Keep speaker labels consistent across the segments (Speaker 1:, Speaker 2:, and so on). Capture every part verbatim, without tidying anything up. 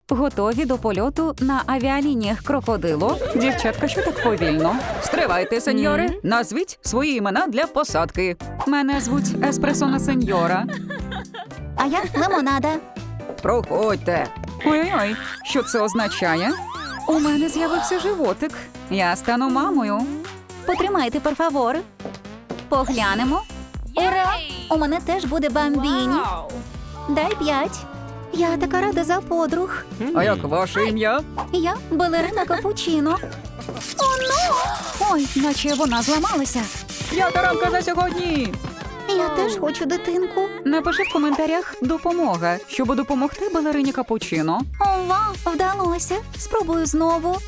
Speaker 1: Готові до польоту на авіалініях крокодило? Дівчатка, що так повільно? Стривайте, сеньори. Назвіть свої імена для посадки. Мене звуть Еспресона Сеньора.
Speaker 2: А я лимонада.
Speaker 1: Проходьте. Ой-ой, що це означає? У мене з'явився животик. Я стану мамою.
Speaker 2: Потримайте, перфавор. Поглянемо. Ура! У мене теж буде бамбіні. Дай п'ять. Я така рада за подруг.
Speaker 1: А як ваше ім'я?
Speaker 2: Я балерина капучино. О, ну!
Speaker 1: Ой, наче вона зламалася. П'ята рамка за сьогодні.
Speaker 2: Я теж хочу дитинку.
Speaker 1: Напиши в коментарях «допомога», щоб допомогти балерині капучино.
Speaker 2: Ова, вдалося. Спробую знову.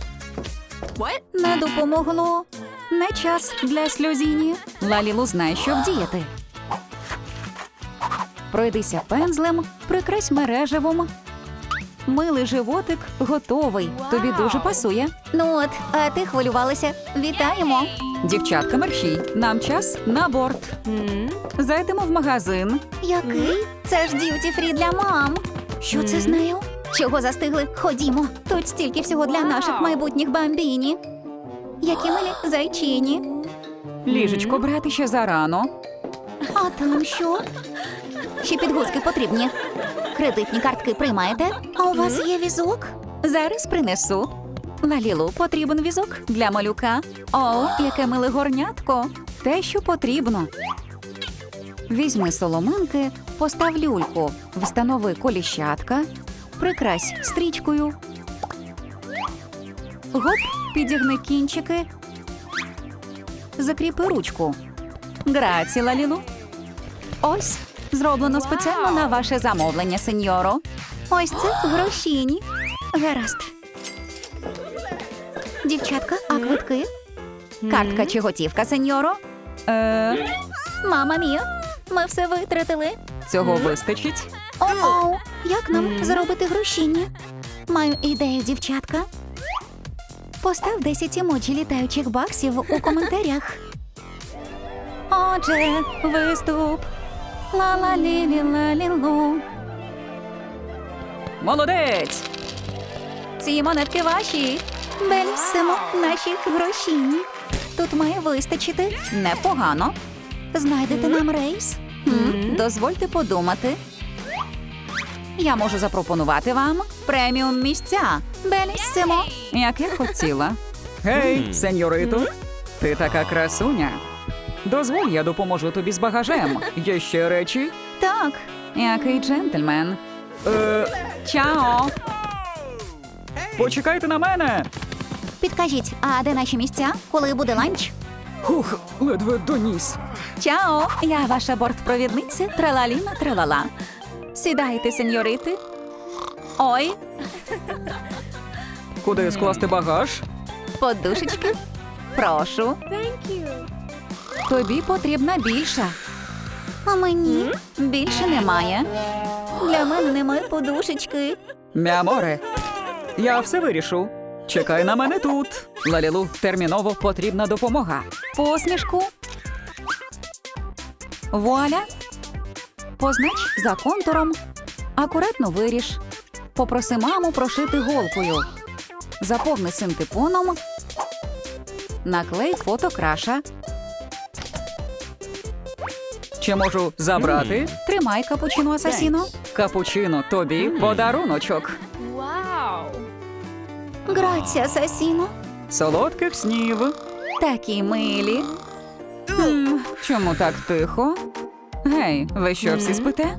Speaker 2: Не допомогло.
Speaker 1: Не час для сльозіні. Лалілу знає, що вдіяти. Пройдися пензлем, прикрась мережевом. Милий животик готовий. Тобі дуже пасує.
Speaker 2: Ну от, а ти хвилювалася. Вітаємо.
Speaker 1: Дівчатка, мерщій, нам час на борт. Зайдемо в магазин.
Speaker 2: Який? Це ж д'юті-фрі для мам. Що це з нею? Чого застигли? Ходімо. Тут стільки всього для наших майбутніх бамбіні. Які милі зайчині.
Speaker 1: Ліжечко брати ще зарано.
Speaker 2: А там що? Ще підгузки потрібні. Кредитні картки приймаєте? А у вас є візок?
Speaker 1: Зараз принесу. Лалілу, потрібен візок для малюка. О, яке миле горнятко. Те, що потрібно. Візьми соломинки, постав люльку, встанови коліщатка, прикрась стрічкою. Гоп, підігни кінчики. Закріпи ручку. Граці, Лалілу. Ось, зроблено спеціально на ваше замовлення, сеньоро.
Speaker 2: Ось це грошіні. Гаразд. Дівчатка, а квитки?
Speaker 1: Картка чи готівка, сеньоро? Е,
Speaker 2: Мама мія, ми все витратили.
Speaker 1: цього вистачить.
Speaker 2: О-оу, як нам заробити грошіні? Маю ідею, дівчатка. Постав десять емоджі літаючих баксів у коментарях.
Speaker 1: Отже, виступ. Ла-ла-лі-лі-ла-лі-лу. Молодець!
Speaker 2: Ці монетки ваші. Бельсимо, наші грошіні. Тут має вистачити.
Speaker 1: Непогано.
Speaker 2: Знайдете нам рейс?
Speaker 1: М, Дозвольте подумати. Я можу запропонувати вам преміум місця.
Speaker 2: Бельсимо.
Speaker 1: Як я хотіла. Гей, сеньорито, ти така красуня. Дозволь, я допоможу тобі з багажем. Є ще речі?
Speaker 2: Так.
Speaker 1: Який джентльмен. Е, чао. Почекайте на мене.
Speaker 2: Підкажіть, а де наші місця? Коли буде ланч?
Speaker 1: Хух, ледве доніс.
Speaker 2: Чао, я ваша бортпровідниця Тралаліна Тралала. Сідайте, сеньорити. Ой,
Speaker 1: Куди скласти багаж?
Speaker 2: подушечки. Прошу.
Speaker 1: Тобі потрібна більша.
Speaker 2: А мені більше немає. Для мене немає подушечки.
Speaker 1: Мяморе, я все вирішу. Чекай на мене тут. Лалілу, терміново потрібна допомога. Посмішку. Вуаля. Познач за контуром. Акуратно виріж. Попроси маму прошити голкою. Заповни синтепоном. Наклей фото краша. Чи можу забрати? Тримай, капучино асасіно. Капучино, тобі подаруночок.
Speaker 2: Грація, асасіно.
Speaker 1: Солодких снів. Такі милі. М, чому так тихо? Гей, ви що, всі спите?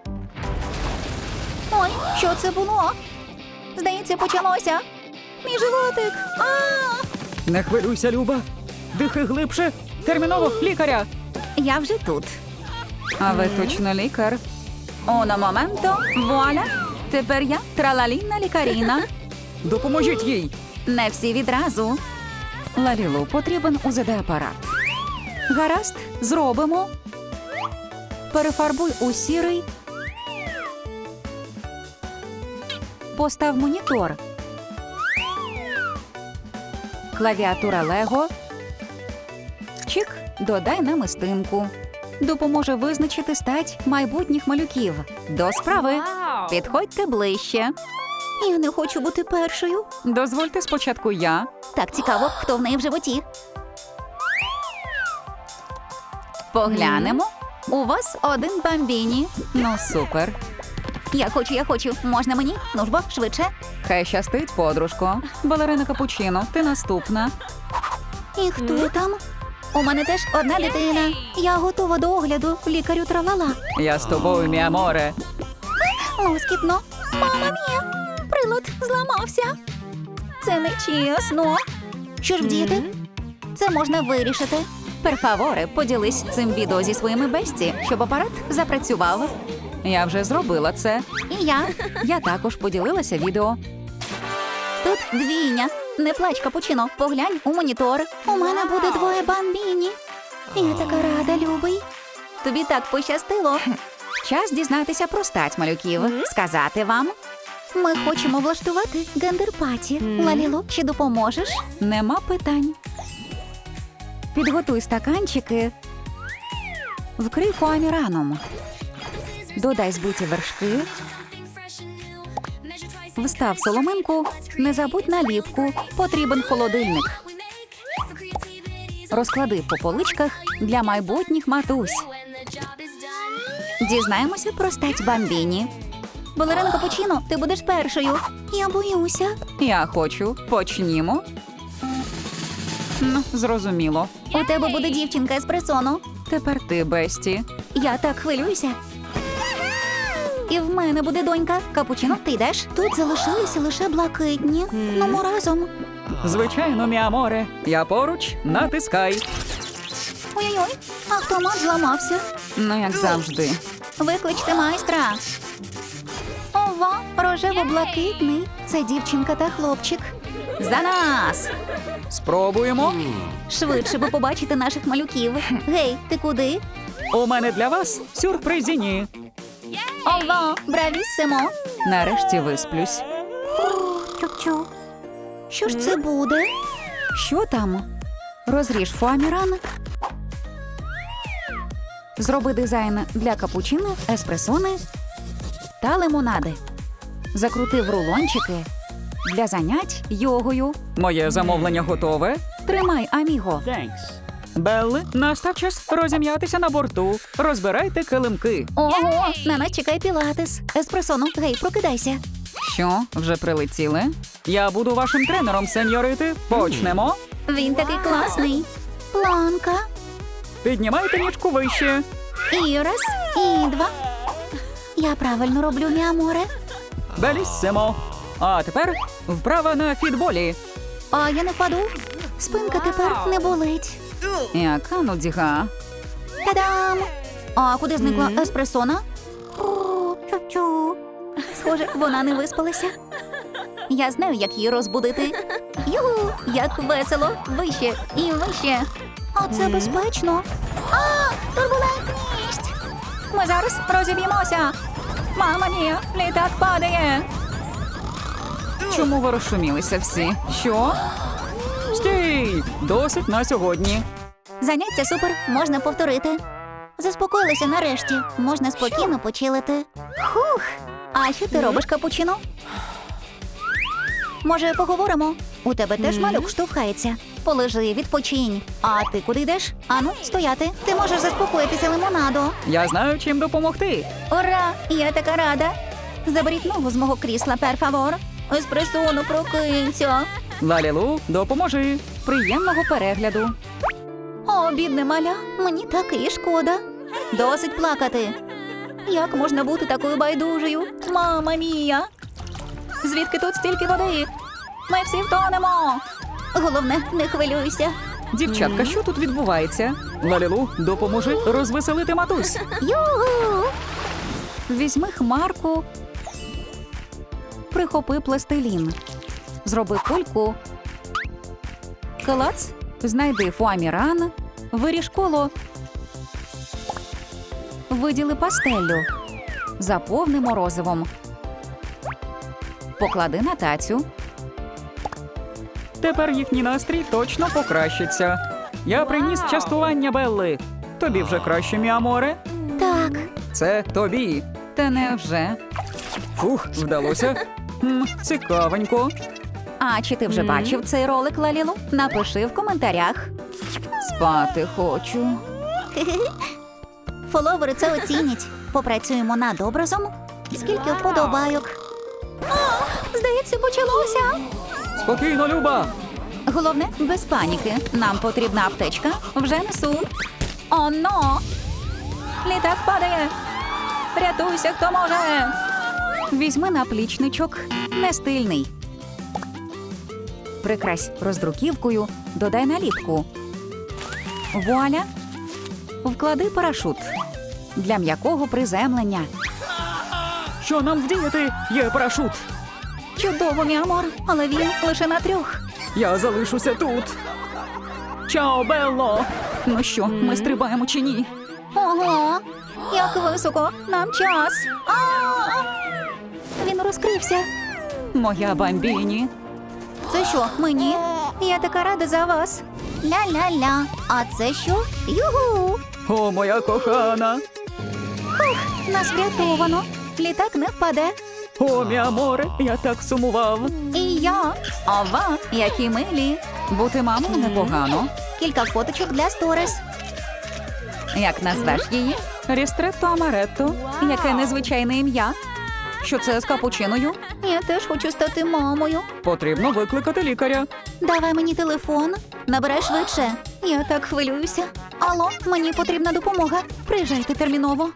Speaker 2: Ой, що це було? Здається, почалося. Мій животик. А!
Speaker 1: Не хвилюйся, Люба. Дихай глибше. Терміново, лікаря.
Speaker 2: Я вже тут.
Speaker 1: А ви точно лікар?
Speaker 2: Оно моменто, вуаля. Тепер я тралаліна лікаріна.
Speaker 1: Допоможіть їй.
Speaker 2: Не всі відразу.
Speaker 1: Лалілу, потрібен у зе де-апарат. Гаразд, зробимо. Перефарбуй у сірий. Постав монітор. Клавіатура Лего. Чик, додай намистинку. Допоможе визначити стать майбутніх малюків. До справи. Підходьте ближче.
Speaker 2: Я не хочу бути першою.
Speaker 1: Дозвольте спочатку я.
Speaker 2: Так цікаво, хто в неї в животі.
Speaker 1: Поглянемо.
Speaker 2: У вас один бамбіні.
Speaker 1: Ну, супер.
Speaker 2: Я хочу, я хочу. Можна мені? Ну ж бо, швидше.
Speaker 1: Хай щастить, подружко. Балерина Капучино, ти наступна.
Speaker 2: І хто там? У мене теж одна дитина. Я готова до огляду. Лікарю тралала.
Speaker 1: Я з тобою, мій аморе.
Speaker 2: Лоскітно. Мама мія. Прилад зламався. Це не чесно. Що ж вдіяти? Це можна вирішити.
Speaker 1: Перфаворе, поділись цим відео зі своїми бесті, щоб апарат запрацював. Я вже зробила це.
Speaker 2: І я.
Speaker 1: Я також поділилася відео.
Speaker 2: Тут двійня. Не плач, Капучино. Поглянь у монітор. У мене буде двоє бамбіні. Я така рада, любий. Тобі так пощастило.
Speaker 1: Час дізнатися про стать малюків. Сказати вам?
Speaker 2: Ми хочемо влаштувати гендер-паті. Лалілу, чи допоможеш?
Speaker 1: Нема питань. Підготуй стаканчики. Вкрий фоаміраном. Додай збиті вершки. Встав соломинку. Не забудь наліпку. Потрібен холодильник. Розклади по поличках для майбутніх матусь.
Speaker 2: Дізнаємося про стать бамбіні. Балерина Капучино, ти будеш першою. Я боюся.
Speaker 1: Я хочу. Почнімо. Ну, зрозуміло.
Speaker 2: У тебе буде дівчинка еспресоно.
Speaker 1: Тепер ти, Бесті.
Speaker 2: Я так хвилююся. І в мене буде донька. Капучино, ти йдеш? Тут залишилися лише блакитні. Ну, ми разом.
Speaker 1: Звичайно, мій аморе. Я поруч, натискай.
Speaker 2: Ой-ой-ой, автомат зламався.
Speaker 1: Ну, як завжди.
Speaker 2: Викличте майстра. Ова, рожево-блакитний. Це дівчинка та хлопчик.
Speaker 1: За нас! Спробуємо.
Speaker 2: Швидше би побачити наших малюків. Гей, ти куди?
Speaker 1: У мене для вас сюрпризіні.
Speaker 2: Ова, бравіссимо.
Speaker 1: Нарешті висплюсь.
Speaker 2: Чу-чу. Що ж це буде?
Speaker 1: Що там? Розріж фоаміран. Зроби дизайн для капучино, еспресони та лимонади. Закрути в рулончики для занять йогою. Моє замовлення готове. Тримай, аміго. Белли, настав час розім'ятися на борту. Розбирайте килимки.
Speaker 2: Ого, на нас чекає пілатес. Еспресоно, гей, прокидайся.
Speaker 1: Що, вже прилетіли? Я буду вашим тренером, сеньорити. Почнемо.
Speaker 2: Він такий класний. Планка.
Speaker 1: Піднімайте ніжку вище.
Speaker 2: І раз, і два. Я правильно роблю, мій аморе.
Speaker 1: Беліссимо. А тепер вправа на фітболі.
Speaker 2: А я не впаду. Спинка тепер не болить.
Speaker 1: Яка нудіга.
Speaker 2: Та-дам! А куди зникла еспресона? О, чу-чу. Схоже, вона не виспалася. Я знаю, як її розбудити. Юху, як весело. Вище і вище. А це безпечно. А, турбулентність. Ми зараз розіб'ємося. Мама мія, літак падає.
Speaker 1: Чому ви розшумілися всі? Що? Стій! Досить на сьогодні.
Speaker 2: Заняття супер, можна повторити. Заспокоїлися нарешті. Можна спокійно почилити. Хух! А що ти робиш, Капучино? Може, поговоримо? У тебе теж малюк штовхається. Полежи, відпочинь. А ти куди йдеш? Ану, стояти. Ти можеш заспокоїтися лимонадо.
Speaker 1: Я знаю, чим допомогти.
Speaker 2: Ура! Я така рада. Заберіть ногу з мого крісла, перфавор. Еспресону, прокинься.
Speaker 1: Лалілу, допоможи. Приємного перегляду.
Speaker 2: О, бідне маля, мені так і шкода. Досить плакати. Як можна бути такою байдужою? Мама мія! Звідки тут стільки води? Ми всі втонемо. Головне, не хвилюйся.
Speaker 1: Дівчатка, що тут відбувається? Лалілу, допоможи розвеселити матусь.
Speaker 2: Югу!
Speaker 1: Візьми хмарку. Прихопи пластилін. Зроби кульку. Клац. Знайди фоаміран. Виріж коло. Виділи пастеллю. Заповни морозивом. Поклади на тацю. Тепер їхній настрій точно покращиться. Я приніс частування Белли. Тобі вже краще, мій аморе?
Speaker 2: Так,
Speaker 1: Це тобі. Та невже? Фух, вдалося. М, цікавенько. А чи ти вже
Speaker 2: Мгм.
Speaker 1: бачив цей ролик, Лалілу? Напиши в коментарях. Спати хочу.
Speaker 2: Фоловери це оцінять. Попрацюємо над образом. Скільки вподобайок. А, здається, почалося.
Speaker 1: Спокійно, Люба. Головне, без паніки. Нам потрібна аптечка. Вже несу. Оно! Літак падає. Рятуйся, хто може. Візьми наплічничок. Не стильний. Прикрась роздруківкою. Додай наліпку. Вуаля. Вклади парашут. Для м'якого приземлення. Що нам вдіяти? Є парашут. Чудово, мій амор, але він лише на трьох. Я залишуся тут. Чао, Белло! Ну що, ми стрибаємо чи ні?
Speaker 2: Ого, як високо. Нам час. А! Він розкрився.
Speaker 1: Моя бамбіні.
Speaker 2: Це що, мені? Я така рада за вас. Ля-ля-ля. А це що? Югу!
Speaker 1: О, моя кохана.
Speaker 2: Нас врятовано. Літак не впаде.
Speaker 1: О, мій аморе, я так сумував.
Speaker 2: І я.
Speaker 1: Ова, які милі. Бути мамою непогано.
Speaker 2: Кілька фоточок для сторіс.
Speaker 1: Як назвеш її? Рістретто Амаретто. Яке незвичайне ім'я. Що це з капучиною?
Speaker 2: Я теж хочу стати мамою.
Speaker 1: Потрібно викликати лікаря.
Speaker 2: Давай мені телефон. Набирай швидше. Я так хвилююся. Алло, мені потрібна допомога. Приїжджайте терміново.